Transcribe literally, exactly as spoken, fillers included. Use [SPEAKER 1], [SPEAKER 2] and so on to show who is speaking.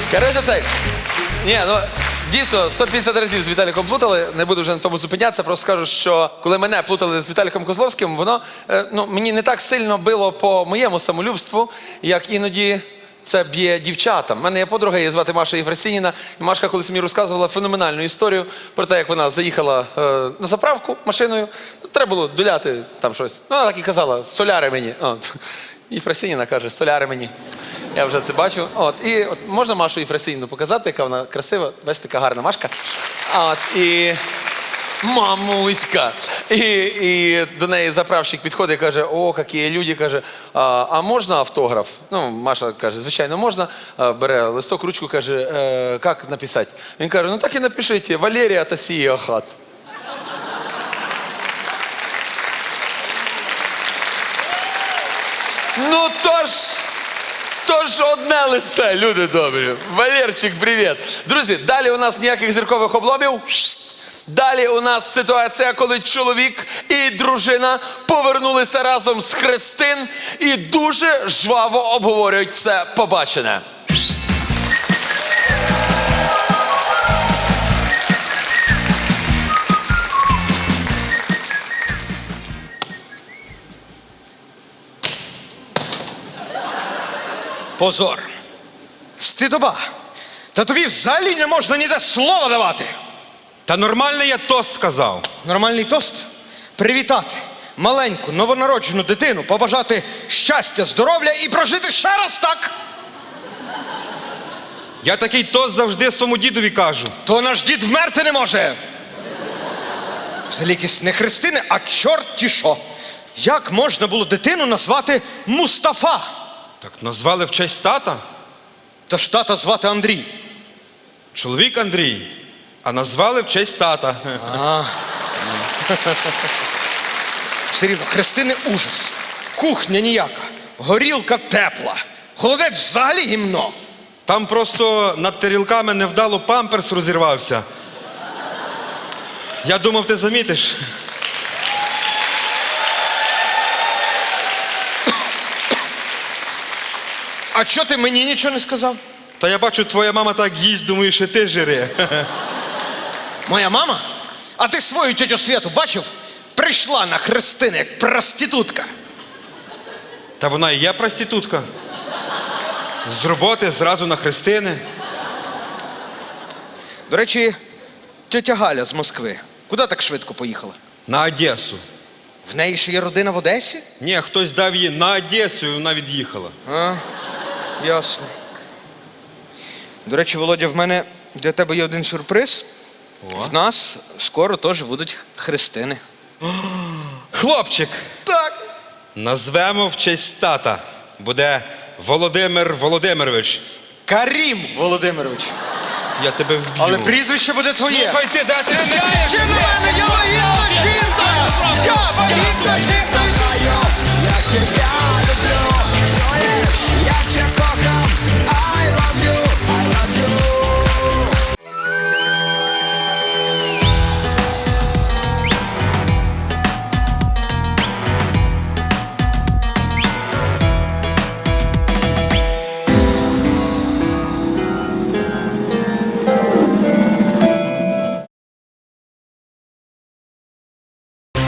[SPEAKER 1] Коротше, цей. Ні, ну, дійсно, сто п'ятдесят разів з Віталіком плутали, не буду вже на тому зупинятися, просто скажу, що коли мене плутали з Віталіком Козловським, воно е, ну, мені не так сильно било по моєму самолюбству, як іноді це б'є дівчатам. У мене є подруга, її звати Маша Єфросініна, і Машка колись мені розказувала феноменальну історію про те, як вона заїхала е, на заправку машиною, треба було доляти там щось. Ну, вона так і казала, соляри мені. От. Єфросініна каже, соляри мені. Я вже це бачу. От. І от, можна Машу Єфросініну показати, яка вона красива. Бачите, така гарна Машка. От. І мамуська. І, і до неї заправщик підходить і каже, о, які люди, каже, а, а можна автограф? Ну, Маша каже, звичайно, можна. А, бере листок, ручку, каже, е, як написати? Він каже, ну так і напишіть, Валерія Тасія Ахат. Ну тож, тож одне лице, люди добрі. Валерчик, привіт. Друзі, далі у нас ніяких зіркових обломів. Далі у нас ситуація, коли чоловік і дружина повернулися разом з хрестин і дуже жваво обговорюють все побачене.
[SPEAKER 2] Позор. Стидоба. Та тобі взагалі не можна ніде слова давати.
[SPEAKER 3] Та нормальний я тост сказав.
[SPEAKER 2] Нормальний тост – привітати маленьку новонароджену дитину, побажати щастя, здоров'я і прожити ще раз так.
[SPEAKER 3] Я такий тост завжди своєму дідові кажу.
[SPEAKER 2] То наш дід вмерти не може. Взагалі якісь не хрестини, а чорті що. Як можна було дитину назвати Мустафа?
[SPEAKER 3] Так назвали в честь тата.
[SPEAKER 2] Та ж тата звати Андрій.
[SPEAKER 3] Чоловік Андрій. А назвали в честь тата.
[SPEAKER 2] Все рівно, хрестини ужас. Кухня ніяка, горілка тепла. Холодець взагалі гімно.
[SPEAKER 3] Там просто над тарілками невдало памперс розірвався. Я думав, ти замітиш.
[SPEAKER 2] А чого ти мені нічого не сказав?
[SPEAKER 3] Та я бачу, твоя мама так їсть, думаю, що ти жири.
[SPEAKER 2] Моя мама? А ти свою тетю Святу бачив? Прийшла на хрестини, як проститутка.
[SPEAKER 3] Та вона і є проститутка. З роботи зразу на хрестини.
[SPEAKER 2] До речі, тетя Галя з Москви. Куди так швидко поїхала?
[SPEAKER 3] На Одесу.
[SPEAKER 2] В неї ще є родина в Одесі?
[SPEAKER 3] Ні, хтось дав їй на Одесу і вона від'їхала.
[SPEAKER 2] А, ясно. До речі, Володя, в мене для тебе є один сюрприз.
[SPEAKER 3] О.
[SPEAKER 2] В нас скоро теж будуть хрестини.
[SPEAKER 3] Хлопчик.
[SPEAKER 2] Так.
[SPEAKER 3] Назвемо в честь тата. Буде Володимир Володимирович.
[SPEAKER 2] Карім Володимирович.
[SPEAKER 3] Я тебе вб'ю.
[SPEAKER 2] Але прізвище буде твоє.
[SPEAKER 3] Слухай ти, де ти
[SPEAKER 2] Чи на мене? Я вагітна жінка! Я вагітна жінка!